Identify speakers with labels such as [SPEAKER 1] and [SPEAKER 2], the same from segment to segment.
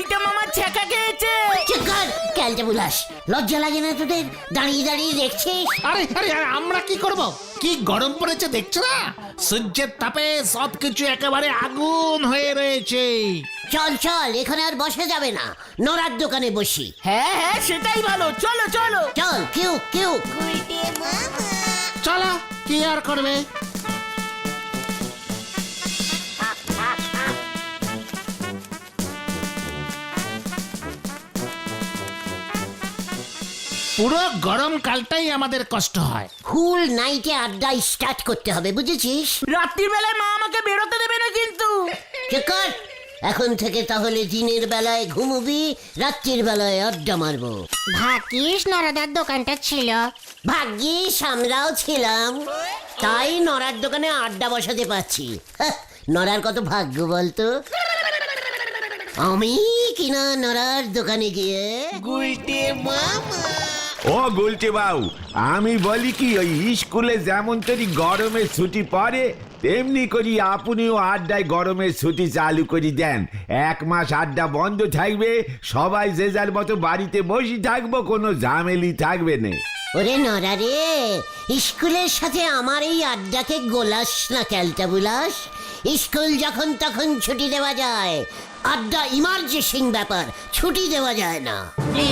[SPEAKER 1] গুলটে মামা ছ্যাঁকা খেয়েছে।
[SPEAKER 2] ক্যালটা বুলাস, লজ্জা লাগে না তোদের? দাঁড়িয়ে দাঁড়িয়ে দেখছিস।
[SPEAKER 3] আরে আরে আরে, আমরা কি করব? কি গরম পড়েছে দেখছো না? সূর্যের তাপে সবকিছু একেবারে আগুন হয়ে রয়েছে।
[SPEAKER 2] চল চল, এখানে আর বসে যাবে না, নড়ার দোকানে বসি।
[SPEAKER 1] হ্যাঁ হ্যাঁ, সেটাই ভালো, চলো চলো।
[SPEAKER 2] চল, কিউ কিউ।
[SPEAKER 3] চলো, কি আর করবে? পুরো গরমকালটাই আমাদের কষ্ট হয়।
[SPEAKER 2] ফুল নাইটে আড্ডা স্টার্ট করতে হবে, বুঝেছিস?
[SPEAKER 1] রাত্রির বেলায় মা আমাকে বেরোতে দেবে না কিন্তু।
[SPEAKER 2] চেকর, এখন থেকে তাহলে দিনের বেলায় ঘুমবি, রাত্রির বেলায় আড্ডা মারবো।
[SPEAKER 4] ভাগ্যিস নরদার দোকানটা ছিল।
[SPEAKER 2] ভাগ্যিস আমরাও ছিলাম, তাই নড়ার দোকানে আড্ডা বসাতে পারছি। হাহ, নড়ার কত ভাগ্য বলতো। আমি কিনা নড়ার দোকানে গিয়ে
[SPEAKER 5] ও গুলটে বাবু, আমি বলি কি, ওই স্কুলে যেমন তরি গরমের ছুটি পড়ে তেমনি করি আপনিও আড্ডায় গরমের ছুটি চালু করে দেন। 1 মাস আড্ডা বন্ধ থাকবে, সবাই যে যার মতো বাড়িতে বসে থাকবো, কোনো ঝামেলি থাকবে না।
[SPEAKER 2] ওরে নড়া রে, স্কুলের সাথে আমার এই আড্ডাকে গোলাস না ক্যালটা বুলাস। স্কুল যখন তখন ছুটি দেওয়া যায়, আড্ডা ইমার্জেন্সি ব্যাপার, ছুটি দেওয়া যায় না।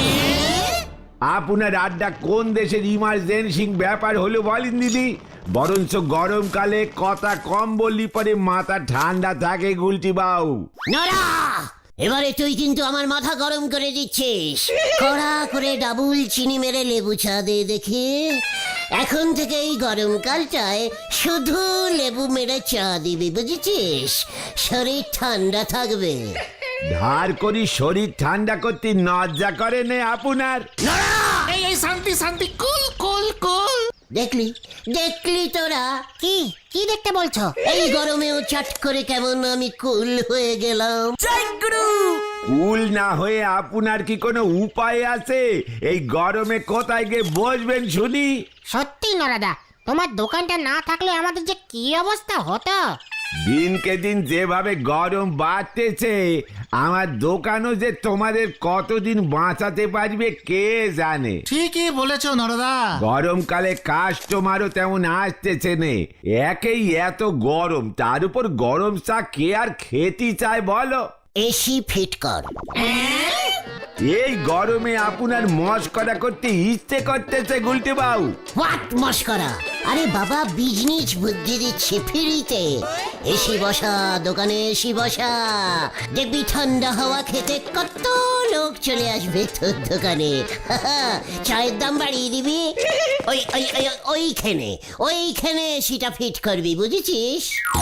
[SPEAKER 5] আপনার আড্ডা কোন দেশের ইমার্জেন্সি ব্যাপার হলো বলেন দিদি? বরঞ্চ গরমকালে কথা কম বললি পরে মাথা ঠান্ডা থাকে গুলটি বাবু।
[SPEAKER 2] নড়া, এবারে তুই কিন্তু আমার মাথা গরম করে দিচ্ছিস। কড়া করে ডাবল চিনি মেরে লেবু চা দে দেখি। এখন থেকে এই গরমকালটায় শুধু লেবু মেরে চা দিবি, বুঝেছিস? শরীর ঠান্ডা থাকবে।
[SPEAKER 5] ধার করি শরীর ঠান্ডা করতে লজ্জা করে নে আপনার?
[SPEAKER 3] এই এই, শান্তি শান্তি, কুল কুল কুল।
[SPEAKER 2] দেখলি দেখলি তোরা,
[SPEAKER 4] কি কি দেখতে বলছো?
[SPEAKER 2] এই গরমেও চট করে কেমন আমি কুল হয়ে গেলাম।
[SPEAKER 1] জয় গুরু।
[SPEAKER 5] কুল না হয়ে আপনার কি কোনো উপায় আছে? এই গরমে কোথায় গিয়ে বসবেন শুনি?
[SPEAKER 4] সত্যি নরদা, তোমার দোকানটা না থাকলে আমাদের যে কি অবস্থা হতো।
[SPEAKER 5] দিনকে দিন যেভাবে গরম বাড়তেছে, আমার দোকানও যে তোমাদের কতদিন বাঁচাতে পারবে কে জানে।
[SPEAKER 3] ঠিকই বলেছো নরদা।
[SPEAKER 5] গরমকালে কাস্টমারও তেমন আসতেছে নে, একেই এত গরম, তার উপর গরম চা কে আর খেতে চায় বলো?
[SPEAKER 2] এসি ফিট কর।
[SPEAKER 5] এই গরমে আপনার মস্করা করতে ইচ্ছে করতেছে গুলটে বাবু।
[SPEAKER 2] হোয়াট মস্করা? আরে বাবা, বিজনেস বুদ্ধি দিচ্ছে ফ্রিতে। এসি বসা দোকানে, এসি বসা, দেখবি ঠান্ডা হাওয়া খেতে কত লোক চলে আসবে তোর দোকানে। চায়ের দাম বাড়িয়ে দিবি, ওই ওই ওই- ওইখানে ওইখানে এসিটা ফিট করবি, বুঝেছিস?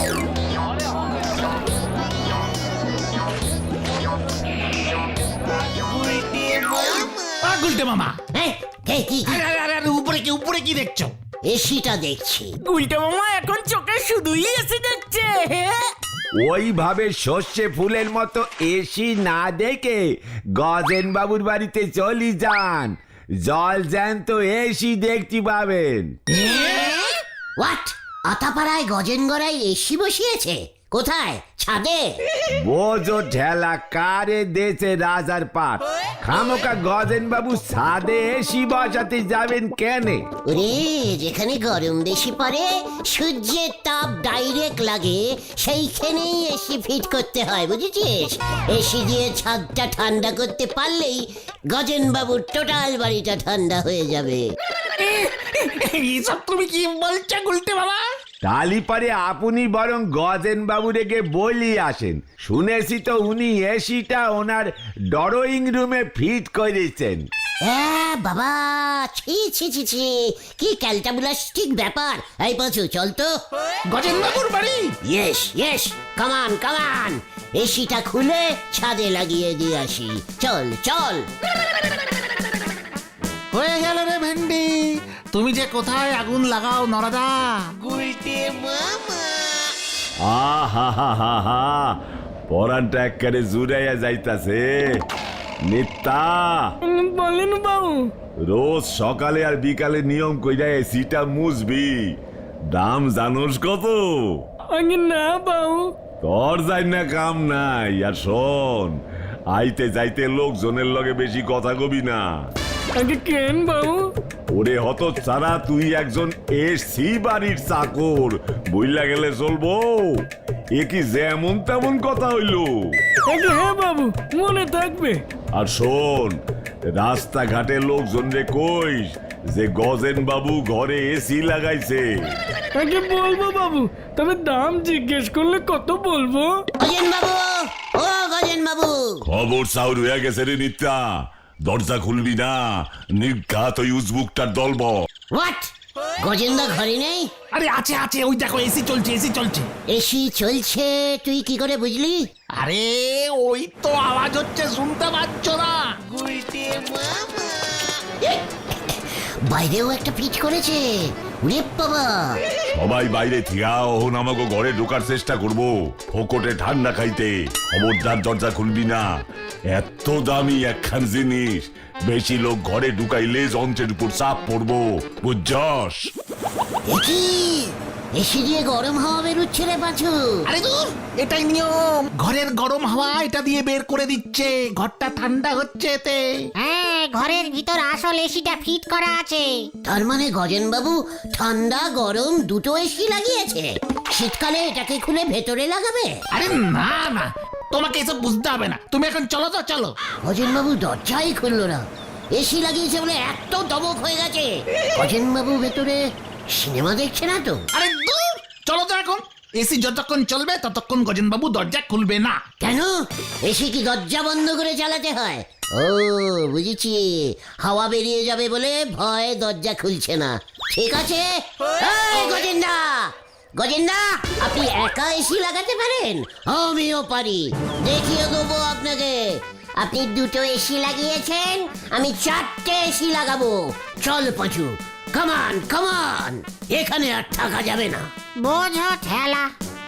[SPEAKER 3] গুলটে মামা,
[SPEAKER 2] হ্যাঁ, কি
[SPEAKER 3] আরে আরে আরে, আরে, উপরে কি দেখছো?
[SPEAKER 2] এসিটা দেখছি।
[SPEAKER 1] গুলটে মামা এখন চোখে শুধুই এসে যাচ্ছে।
[SPEAKER 5] ওইভাবে সর্ষে ফুলের মতো এসি না দেখে গজেন বাবুর বাড়িতে চলি যান, জল জ্যান্ত এসি দেখতে পাবেন।
[SPEAKER 2] হোয়াট? আতাপাড়ায় গজেন গড়াই এসি বসিয়েছে? কোথায়? ছাদে?
[SPEAKER 5] বোঝো ঠেলা কারে দেছে রাজার পাট। খামোকা গজেন বাবু ছাদে এসি বসাতে যাবেন কেনে?
[SPEAKER 2] ওরে, যেখানে গরম বেশি পড়ে, সূর্যের তাপ ডাইরেক্ট লাগে, সেইখানেই এসি ফিট করতে হয়, বুঝেছিস? এসি দিয়ে ছাদটা ঠান্ডা করতে পারলেই গজেন বাবুর টোটাল বাড়িটা ঠান্ডা হয়ে যাবে।
[SPEAKER 3] এইসব তুমি কি বলছো গুলটে বাবা?
[SPEAKER 5] তালি পারে আপনি বরং গজেন বাবু রেগে বলি আসেন। শুনেছি তো উনি এসিটা ওনার ড্রয়িং রুমে ফিট করেছেন।
[SPEAKER 2] হ্যাঁ বাবা, ছি ছি ছি ছি, কি ক্যালটাবুলাস্টিক ব্যাপার। এই পাঁচু, চল তো।
[SPEAKER 3] গজেন বাবুর বাড়ি?
[SPEAKER 2] ইয়েস ইয়েস, কামান কামান, এসিটা খুলে ছাদে লাগিয়ে দিয়ে আসি। চল চল।
[SPEAKER 3] হয়ে গেল রে ভেন্ডি, তুমি যে কোথায় আগুন লাগাও নরদা।
[SPEAKER 5] আহা হা হা হা, পরানটা একেবারে জুড়াইয়া যাইতাছে। নিত্যা,
[SPEAKER 1] বলেন বাবু।
[SPEAKER 5] রোজ সকালে আর বিকালে নিয়ম কইরা এসিটা মুছবি। দাম জানোস কত?
[SPEAKER 1] আগে না বাবু।
[SPEAKER 5] তোর যাই না কাম নাই। আর শোন,
[SPEAKER 6] আইতে যাইতে লোকজনের লগে বেশি কথা কবি না।
[SPEAKER 1] আগে কেন বাবু?
[SPEAKER 6] ওরে হত ছাড়া, তুই একজন এসি বাড়ির চাকর, বইলা গেলে চলবো? এ কি যেমন তেমন কথা হইল?
[SPEAKER 1] আগে হ্যাঁ বাবু, মনে থাকবে।
[SPEAKER 6] আর শোন, রাস্তাঘাটে লোকজন রে কইস যে গজেন বাবু ঘরে এসি লাগাইছে।
[SPEAKER 1] আগে বলবো বাবু, তবে দাম জিজ্ঞেস করলে কত বলবো?
[SPEAKER 2] গজেন বাবু, ও গজেন বাবু,
[SPEAKER 6] খবর সাউর হয়ে গেছে রে নিত্যা, দরজা খুলবি না, নির্ঘাত ওই উজবুকটার দলব।
[SPEAKER 2] হোয়াট? গজেন্দা ঘরে নেই?
[SPEAKER 3] আরে আছে আছে, ওই দেখো এসি চলছে, এসি চলছে।
[SPEAKER 2] এসি চলছে তুই কি করে বুঝলি?
[SPEAKER 3] আরে ওই তো আওয়াজ হচ্ছে, শুনতে পাচ্ছ না?
[SPEAKER 2] বাইরেও একটা পিট করেছে। উরে বাবা!
[SPEAKER 6] সবাই বাইরে থিয়া ওহন আমাকে ঘরে ঢোকার চেষ্টা করব, ফোকটে ঠান্ডা খাইতে। খবরদার দরজা খুলবি না, এত দামি একখান জিনিস, বেশি লোক ঘরে ঢুকাইলে যন্ত্রের উপর চাপ পড়বো, বুঝছস?
[SPEAKER 2] কি এসি দিয়ে গরম হাওয়া বেরোচ্ছে রে পাঁচু?
[SPEAKER 3] আরে দূর, এটাই নিয়ম, ঘরের গরম হাওয়া এটা দিয়ে বের করে দিচ্ছে, ঘরটা ঠান্ডা হচ্ছে এতে।
[SPEAKER 4] হ্যাঁ, ঘরের ভিতর আসল এসিটা ফিট করা আছে।
[SPEAKER 2] তার মানে গজেন বাবু ঠান্ডা গরম দুটো এসি লাগিয়েছে। শীতকালে এটাকে খুলে ভেতরে লাগাবে?
[SPEAKER 3] আরে না না, তোমাকে এসব বুঝতে হবে না, তুমি এখন চলো তো, চলো।
[SPEAKER 2] গজেন বাবু দরজাই খুললো না। এসি লাগিয়েছে বলে এত দমক হয়ে গেছে। গজেন বাবু ভেতরে সিনেমা দেখছে না তো?
[SPEAKER 3] আরে দূর, চলো তো এখন। এসি যতক্ষণ চলবে ততক্ষণ গজেন বাবু দরজা খুলবে না।
[SPEAKER 2] কেন? এসি কি দরজা বন্ধ করে চালাতে হয়? ও বুঝেছি, হাওয়া বেরিয়ে যাবে বলে ভয় দরজা খুলছে না। ঠিক আছে। এই গজেন্দা, গজেন্দা, আপনি একা এসি লাগাতে পারেন? আমিও পারি, দেখিয়ে দেবো আপনাকে। আপনি দুটো এসি লাগিয়েছেন, আমি চারটে এসি লাগাবো। চল পাঁচু, কামান কামান, এখানে আর থাকা যাবে না।
[SPEAKER 4] বোঝো ঠেলা।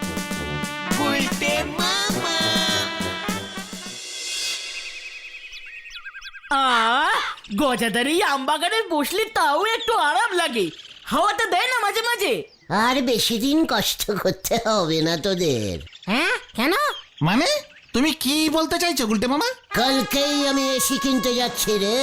[SPEAKER 1] গজাদার এই আমবাগানে বসলে তাও একটু আরাম লাগে, হাওয়াটা দেয় না মাঝে মাঝে।
[SPEAKER 2] আর বেশি দিন কষ্ট করতে হবে না তোদের।
[SPEAKER 4] হ্যাঁ, কেন?
[SPEAKER 3] মানে তুমি কি বলতে চাইছো গুলটে মামা?
[SPEAKER 2] কালকেই আমি এসি কিনতে যাচ্ছি রে।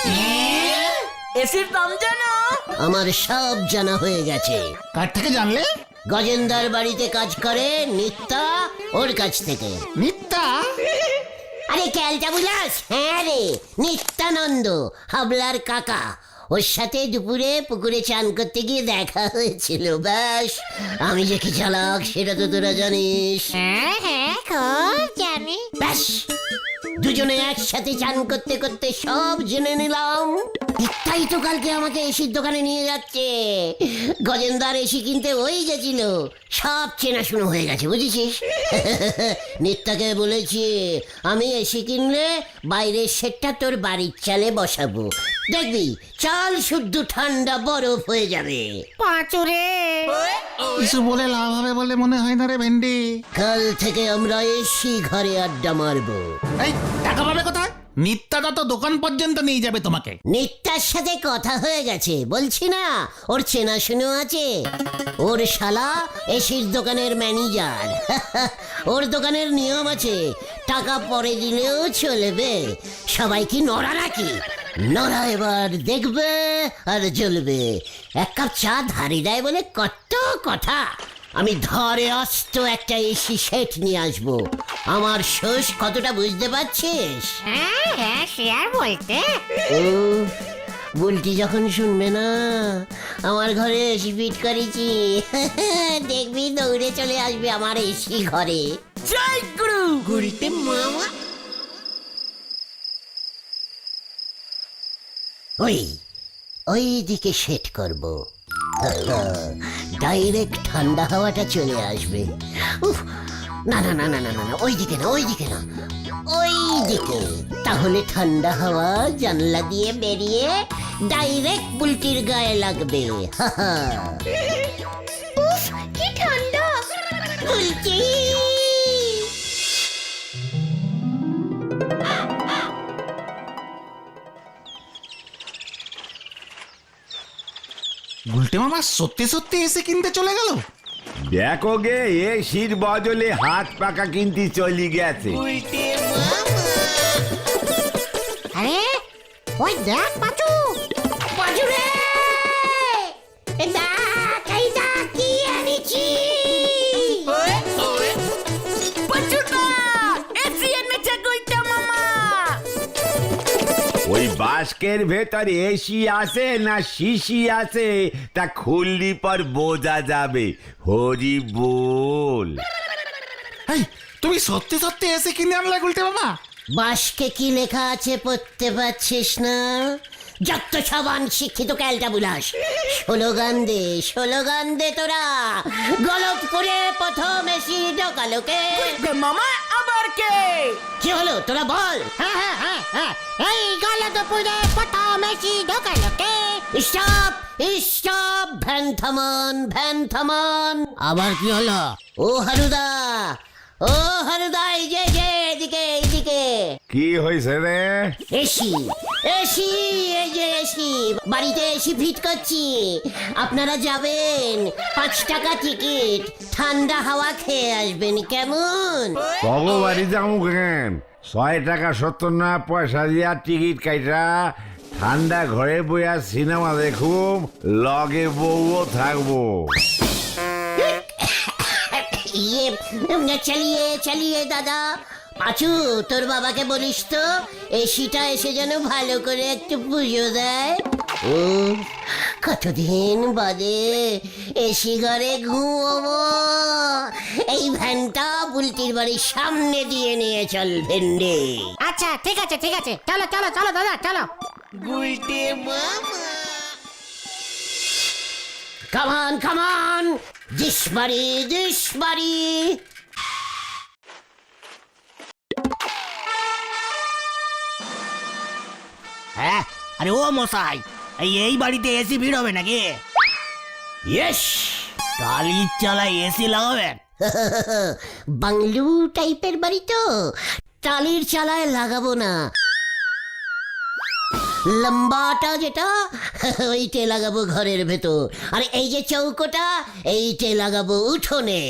[SPEAKER 1] এসির দাম জানো?
[SPEAKER 2] আমার সব জানা হয়ে গেছে।
[SPEAKER 3] কার থেকে জানলে?
[SPEAKER 2] গজেন্দার বাড়িতে কাজ করে নিত্যা, ওর কাছ থেকে।
[SPEAKER 3] মিথ্যা?
[SPEAKER 2] আরে ক্যালটা বুঝাস? হ্যাঁ রে, নিত্যানন্দ, হাবলার কাকা। ওর সাথে দুপুরে পুকুরে চান করতে গিয়ে দেখা হয়েছিল। ব্যাস, আমি যে কি চালাক সেটা তো তোরা জানিস।
[SPEAKER 4] হ্যাঁ হ্যাঁ, খুব জানি।
[SPEAKER 2] ব্যাস, দুজনে একসাথে চান করতে করতে সব জেনে নিলাম। তাই তো কালকে আমাকে এসির দোকানে নিয়ে যাচ্ছে। গজেন্দার এসি কিনতে ওই গেছিল, সব চেনাশুনো হয়ে গেছে বুঝেছিস। নিত্যাকে বলেছি আমি এসি কিনলে বাইরের সেটটা তোর বাড়ির চালে বসাবো, দেখবি চাল শুদ্ধ ঠান্ডা বরফ হয়ে যাবে।
[SPEAKER 4] পাঁচুরে,
[SPEAKER 3] কিছু বলে লাভ হবে বলে মনে হয় না রে ভেন্ডি।
[SPEAKER 2] কাল থেকে আমরা এসি ঘরে আড্ডা মারবো।
[SPEAKER 3] এই টাকা পাবে কোথায়? নিত্যাটা তো দোকান পর্যন্ত নিয়ে যাবে তোমাকে।
[SPEAKER 2] নিত্যার সাথে কথা হয়ে গেছে, বলছি না ওর চেনাশুনো আছে। ওর শালা এসির দোকানের ম্যানেজার। ওর দোকানের নিয়ম আছে, টাকা পরে দিলেও চলবে। সবাই কি নড়া নাকি? নড়া এবার দেখবে আর জ্বলবে। এক কাপ চা ধারে দেয় বলে কত কথা। আমি ধরে অস্ত একটা এসি সেট নিয়ে আসবো। আমার শোষ কতটা বুঝতে পারছিস?
[SPEAKER 4] হ্যাঁ হ্যাঁ, সে আর বলতে।
[SPEAKER 2] বুলটি যখন শুনবে না আমার ঘরে এসি ফিট করেছি, দেখবি দৌড়ে চলে আসবে আমার এসি ঘরে।
[SPEAKER 1] জয় গুরু।
[SPEAKER 2] ঘুরিতে মামা ওই দিকে সেট করব, ডাইরেক্ট ঠান্ডা হাওয়াটা চলে আসবে। উফ, না না না না না না, ওই দিকে না, ওই দিকে না, ওই দিকে। তাহলে ঠান্ডা হাওয়া জানলা দিয়ে বেরিয়ে ডাইরেক্ট বুলটির গায়ে লাগবে। উফ, কি ঠান্ডা বুলটি।
[SPEAKER 3] গুলটে মামা সত্যি সত্যি এসে কিনতে চলে গেল?
[SPEAKER 5] দেখো গে, এসির বদলে হাত পাকা কিনতে চলি গেছে।
[SPEAKER 4] ওই দেখ পাচু।
[SPEAKER 2] পাঁচু রে, এই দেখ কি এনেছি।
[SPEAKER 1] পাচুদা এসি এনেছে গুলটা মামা।
[SPEAKER 5] ওই বাস্কের ভেতর এসি আছে না শিশি আছে তা খুললি পর বোঝা যাবে। হরি বল।
[SPEAKER 3] এই তুমি সত্যি সত্যি এসে কিনে আনলে গুলটে মামা?
[SPEAKER 2] বাসকে কি লেখা আছে পড়তে পারছিস না? যত সবান শিক্ষিত ক্যালটা বুলাস। স্লোগান দে তোরা। গলতপুরে প্রথম এসি ঢোকালো কে?
[SPEAKER 1] মামা আবার কে?
[SPEAKER 2] কি হলো তোরা বল।
[SPEAKER 4] হ্যাঁ, এই গলতপুরে প্রথম এসি ঢোকালো কে?
[SPEAKER 2] স্টপ, ভ্যান থামান। আবার কি হলো? ও হারুদা, এই যে এদিকে।
[SPEAKER 5] কি হয়েছে রে?
[SPEAKER 2] এসি, এই যে এসি। বাড়িতে এসি ফিট করছি। আপনারা যাবেন, 5 টাকা টিকিট, ঠান্ডা হাওয়া খেয়ে আসবেন, কেমন?
[SPEAKER 5] বাড়ি যাবো কেন? 6 টাকা 70 পয়সা দিয়া টিকিট কাইটা ঠান্ডা ঘরে বইয়া সিনেমা দেখুম, লগে বউও থাকবো।
[SPEAKER 2] চালিয়ে দাদা। পাঁচু, তোর বাবাকে বলিস তো এসিটা এসে যেন ভালো করে একটু পুজো দেয়। ও কতদিন বাদে এসি ঘরে ঘুমোবো। এই ভ্যানটা বুলটির বাড়ির সামনে দিয়ে নিয়ে চল ভেন্ডে।
[SPEAKER 4] আচ্ছা ঠিক আছে চলো দাদা চলো।
[SPEAKER 2] কামান দিস বাড়ি।
[SPEAKER 1] হ্যাঁ, আরে ও মশাই, এই বাড়িতে এসি ভিড় হবে নাকি?
[SPEAKER 2] ইয়েস।
[SPEAKER 1] টালির চালায় এসি লাগাবেন?
[SPEAKER 2] বাংলু টাইপের বাড়ি তো, টালির চালায় লাগাবো না, লম্বাটা যেটা ওইটে লাগাবো ঘরের ভেতর। আর এই যে চৌকোটা এইটে লাগাবো উঠোনে।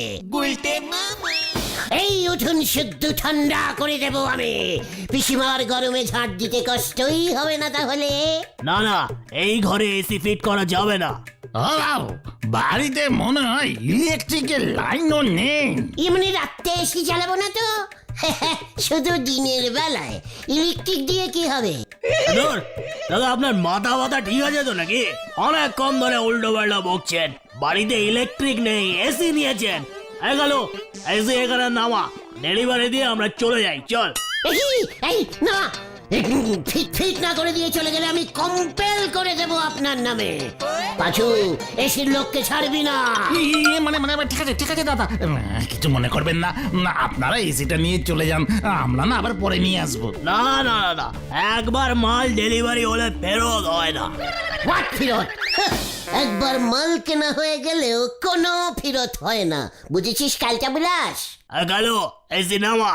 [SPEAKER 2] এই উঠোন শুদ্ধ ঠান্ডা করে দেবো আমি। পিসিমার গরমে ঝাঁট দিতে কষ্টই হবে না তাহলে।
[SPEAKER 1] না, এই ঘরে এসি ফিট করা যাবে না।
[SPEAKER 3] ও বাবু, বাড়িতে মনে হয় ইলেকট্রিকের লাইনও নেই।
[SPEAKER 2] এমনি রাত্রে এসি চালাবো না তো, শুধু দিনের বেলায়। ইলেকট্রিক দিয়ে কি হবে?
[SPEAKER 1] দাদা আপনার মাথা ঠিক আছে তো নাকি? অনেক কম ধরে উল্টো পাল্টা বকছেন। বাড়িতে ইলেকট্রিক নেই, এসি নিয়েছেন। গেল এসি এখানে নামা, ডেলিভারি দিয়ে আমরা চলে যাই। চল।
[SPEAKER 2] এই না, ফিট না করে দিয়ে চলে গেলে আমি কম্পেল করে দেব আপনার নামে। পাঁচু, এসির লোককে ছাড়বি না।
[SPEAKER 3] মানে ঠিক আছে দাদা, কিছু মনে করবেন না। আপনারা এসিটা নিয়ে চলে যান, আমরা না আবার পরে নিয়ে আসবো।
[SPEAKER 1] না, একবার মাল ডেলিভারি হলে ফেরত হয় না।
[SPEAKER 2] হোয়াট ফেরত? একবার মাল কেনা হয়ে গেলেও কোনো ফেরত হয় না, বুঝেছিস কালটা বিলাস?
[SPEAKER 1] গেল এসি নামা।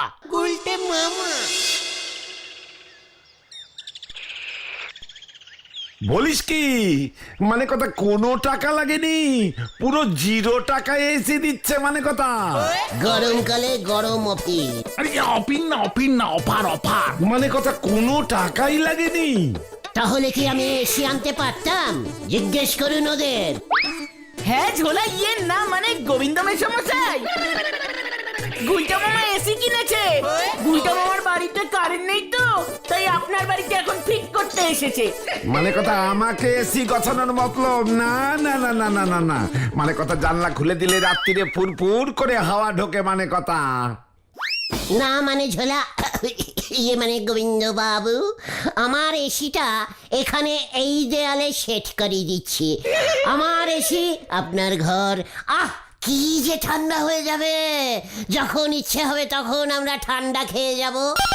[SPEAKER 5] বলিস কি? মানে কথা কোনো টাকা লাগেনি, পুরো 0 টাকায় এসি দিচ্ছে মানে কথা।
[SPEAKER 2] গরমকালে গরম অফিস।
[SPEAKER 3] আরে অফিন না, অফার।
[SPEAKER 5] মানে কথা কোনো টাকাই লাগেনি।
[SPEAKER 2] তাহলে কি আমি এসি আনতে পারতাম? জিজ্ঞেস করুন ওদের।
[SPEAKER 1] হ্যাঁ ঝোলা, না মানে গোবিন্দ মেশামশাই, গুলটা মামা এসি কিনেছে। গুলটা মামার বাড়িতে কারেন্ট নেই তো, তাই আপনার বাড়িতে এখন ফিট করতে এসেছে।
[SPEAKER 5] মানে কথা আমাকে এসি গছানোর মতলব না। মানে কথা জানলা খুলে দিলে রাত্রিরে ফুরফুর করে হাওয়া ঢোকে মানে কথা।
[SPEAKER 2] না মানে ঝোলা, মানে গোবিন্দ বাবু, আমার এসিটা এখানে এই দেয়ালে সেট করে দিচ্ছি। আমার এসি আপনার ঘর। কি যে ঠান্ডা হয়ে যাবে, যখন ইচ্ছে হবে তখন আমরা ঠান্ডা খেয়ে যাব।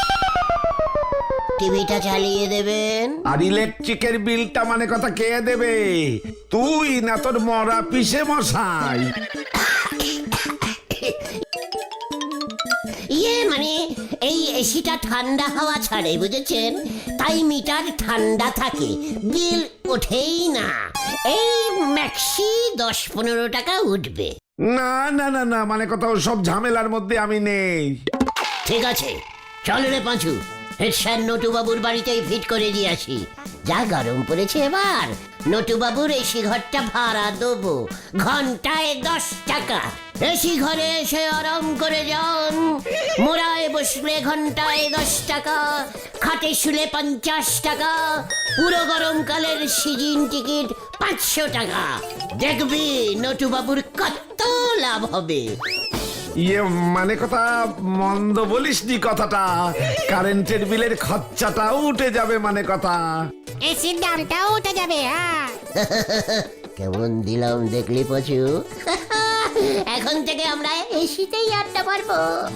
[SPEAKER 2] টিভিটা চালিয়ে দেবেন।
[SPEAKER 5] আর ইলেকট্রিকের বিলটা মানে কথা কে দেবে? তুই না তোর মরা পিসে মশাই?
[SPEAKER 2] মানে এই এসিটা ঠান্ডা হাওয়া ছাড়ে, বুঝেছেন? তাই মিটার ঠান্ডা থাকে, বিল ওঠেই না। এই ম্যাক্সি 10-15 টাকা উঠবে।
[SPEAKER 5] না মানে কথা সব ঝামেলার মধ্যে আমি নেই।
[SPEAKER 2] ঠিক আছে, চল রে পাঁচু, হেড স্যার নটু বাবুর বাড়িতেই ফিট করে দিয়ে আসি। যা গরম পড়েছে এবার, নটুবাবুর এসি ঘরটা ভাড়া দেবো, ঘন্টায় 10 টাকা। এসি ঘরে এসে আরাম করে যান, মোড়ায় বসলে ঘন্টায় 10 টাকা, খাটে শুলে 50 টাকা, পুরো গরমকালের সিজন টিকিট 500 টাকা। দেখবি নটুবাবুর কত লাভ হবে।
[SPEAKER 5] ইয়ে মানে কথা মন্দ বলিসনি কথাটা, কারেন্টের বিলের খরচাটাও উঠে যাবে মানে কথা।
[SPEAKER 4] এসির দামটাও উঠে যাবে। হ্যাঁ,
[SPEAKER 2] কেমন দিলাম দেখলি পচু? এখন থেকে আমরা এসিতেই আড্ডা মারবো।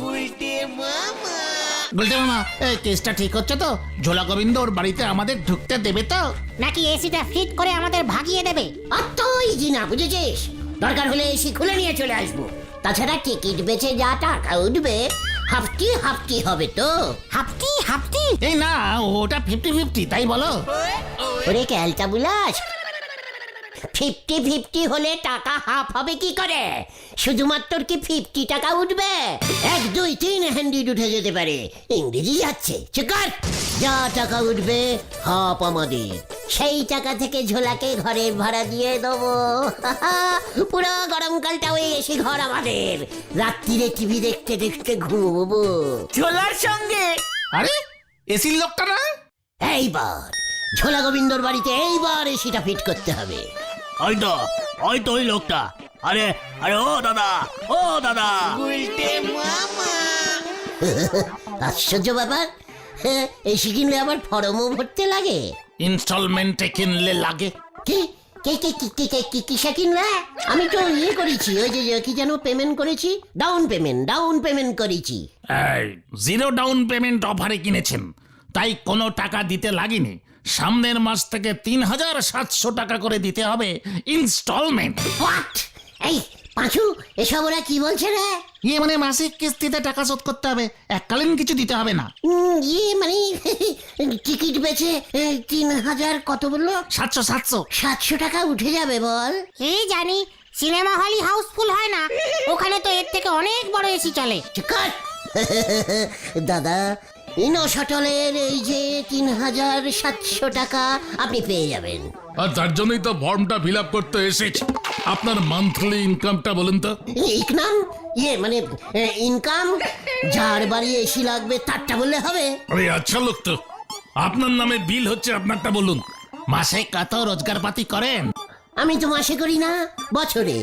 [SPEAKER 3] বলতে মামা, এই কেসটা ঠিক হচ্ছে তো? ঝোলা গোবিন্দ ওর বাড়িতে আমাদের ঢুকতে দেবে তো?
[SPEAKER 4] নাকি এসিটা ফিট করে আমাদের ভাগিয়ে দেবে?
[SPEAKER 2] অত ইজি না, বুঝেছিস? দরকার হলে এসি খুলে নিয়ে চলে আসবো। তাছাড়া টিকিট বেচে যা টাকা উঠবে হাফটি হাফটি হবে তো।
[SPEAKER 4] হাফটি হাফটি?
[SPEAKER 3] এই না, ওটা 50-50, তাই বলো?
[SPEAKER 2] ওরে ক্যালটা বুলাস, 50-50 হলে টাকা হাফ হবে কি করে? শুধুমাত্র কি 50 টাকা উঠবে? 1, 2, 3 হ্যান্ডিড উঠে যেতে পারে। ইংরেজি যাচ্ছে, চুকার। যা টাকা উঠবে হাফ আমাদের, সেই টাকা থেকে ঝোলাকে ঘরের ভাড়া দিয়ে দেবো। পুরো গরমকালটা ওই এসি ঘর আমাদের, রাত্রিরে টিভি দেখতে দেখতে ঘুমবো
[SPEAKER 1] ঝোলার সঙ্গে।
[SPEAKER 3] আরে এসির লোকটা না?
[SPEAKER 2] এইবার ঝোলা গোবিন্দর বাড়িতে এইবার এসিটা ফিট করতে হবে।
[SPEAKER 1] হয়তো ওই লোকটা। আরে আরে ও দাদা, ও দাদা।
[SPEAKER 2] আশ্চর্য ব্যাপার, এসি কিনলে আবার ফর্মও ভরতে লাগে।
[SPEAKER 3] ইনস্টলমেন্টে কিনলে লাগে।
[SPEAKER 2] কি কিসে কিনলে? আমি তো ইয়ে করেছি, ওই যে কি যেন পেমেন্ট করেছি, ডাউন পেমেন্ট করেছি।
[SPEAKER 3] এই 0 ডাউন পেমেন্ট অফারে কিনেছেন, তাই কোনো টাকা দিতে লাগেনি। সামনের মাস থেকে 3700 টাকা করে দিতে হবে ইনস্টলমেন্ট।
[SPEAKER 2] হোয়াট? এই পাঁচু, এসব ওরা কি বলছে রে?
[SPEAKER 3] ইয়ে মানে মাসিক কিস্তিতে টাকা শোধ করতে হবে, এককালীন কিছু দিতে হবে না।
[SPEAKER 2] ইয়ে মানে টিকিট বেচে 3000 কত বললো? 700 টাকা উঠে যাবে বল।
[SPEAKER 4] এই জানি, সিনেমা হলই হাউসফুল হয় না, ওখানে তো এর থেকে অনেক বড় এসি চলে।
[SPEAKER 2] চিকার। দাদা, ইনো শটলের এই যে 3700 টাকা আপনি পেয়ে যাবেন।
[SPEAKER 7] আর তার জন্যই তো ফর্মটা ফিল আপ করতে এসেছি। আপনার মান্থলি ইনকামটা বলুন তো।
[SPEAKER 2] ইকনাম ইয়ে মানে ইনকাম, যার বাড়ি এসি লাগবে তারটা বললে হবে।
[SPEAKER 7] আরে আচ্ছা লোক তো, আপনার নামে বিল হচ্ছে, আপনারটা বলুন।
[SPEAKER 3] মাসে কত রোজগার পাতি করেন?
[SPEAKER 2] আমি তো মাসে করি না, বছরে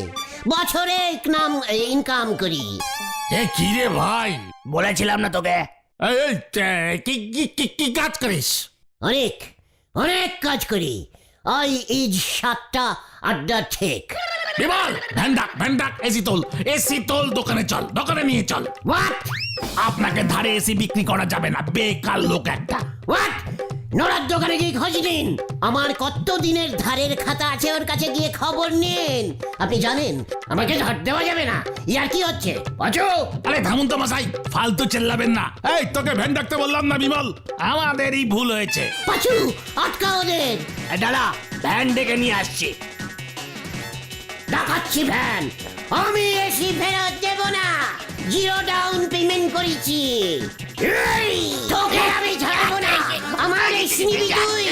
[SPEAKER 2] ইনকাম করি।
[SPEAKER 3] এ কি রে ভাই,
[SPEAKER 1] বলেছিলাম না তোকে।
[SPEAKER 3] এই কি কাজ করিস?
[SPEAKER 2] অনেক কাজ করি। আই ইজ 7টা আড্ডা ঠিক।
[SPEAKER 3] বিমল, ভ্যান ডাক, এসি তোল, দোকানে চল, দোকানে নিয়ে চল।
[SPEAKER 2] হোয়াট?
[SPEAKER 3] আপনাকে ধারে এসি বিক্রি করা যাবে না, বেকার লোক একটা।
[SPEAKER 2] হোয়াট? নোরার দোকানে গিয়ে খোঁজ নিন, আমার কত দিনের ধারের খাতা আছে ওর কাছে গিয়ে খবর নিন। আপনি জানেন আমাকে ধার দেওয়া যাবে না। ইয়ার কি হচ্ছে পাঁচু?
[SPEAKER 3] আরে থামুন তো মশাই, ফালতু চেল্লাবেন না।
[SPEAKER 7] এই তোকে ভ্যান ডাকতে বললাম না বিমল?
[SPEAKER 3] আমাদেরই ভুল হয়েছে।
[SPEAKER 2] পাঁচু, আটকা ওদের।
[SPEAKER 1] দাদা, ভ্যান ডেকে নিয়ে আসছি।
[SPEAKER 2] দেখাচ্ছি ভ্যান। আমি এসি ফেরত দেব না, 0 ডাউন পেমেন্ট করেছি। এই, তোকে আমি ছাড়বো না, আমার এসি নিবি তুই।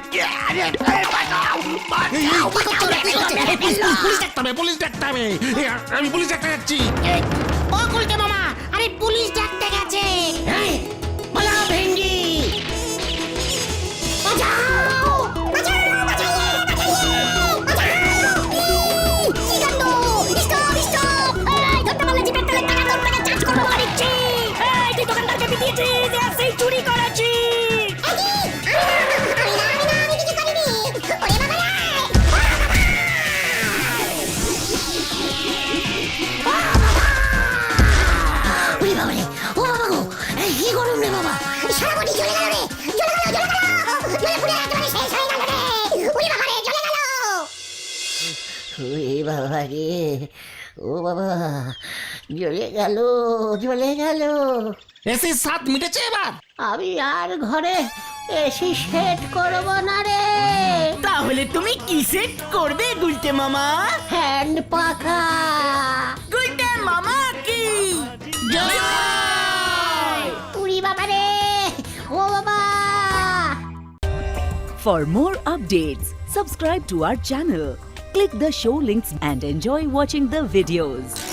[SPEAKER 3] পুলিশ ডাকতে হবে। আমি পুলিশ ডাকতে যাচ্ছি।
[SPEAKER 4] ও গুলটে মামা, আরে পুলিশ ডাকতে গেছে।
[SPEAKER 2] এই, পালাও ভেন্ডি। বাঁচাও! ওরে বাবা রে, ও বাবা গো, এই কি গরম রে বাবা! সারা বডি জ্বলে গেল রে, জ্বলে গেল, জ্বলে পুড়ে একেবারে শেষ হয়ে গেল রে। ওরে বাবা রে, জ্বলে গেল। ওরে বাবা রে, ও বাবা, জ্বলে গেল।
[SPEAKER 3] এসির স্বাদ মিটেছে এবার?
[SPEAKER 2] আমি আর ঘরে এসি সেট করব না রে।
[SPEAKER 1] তাহলে তুমি কি সেট করবে গুলটে মামা?
[SPEAKER 2] হ্যান্ড পাখা।
[SPEAKER 1] গুলটে মামা কি
[SPEAKER 2] উড়ি বাবা রে, ও বাবা!
[SPEAKER 8] For more updates, subscribe to our channel, click the show links and enjoy watching the videos.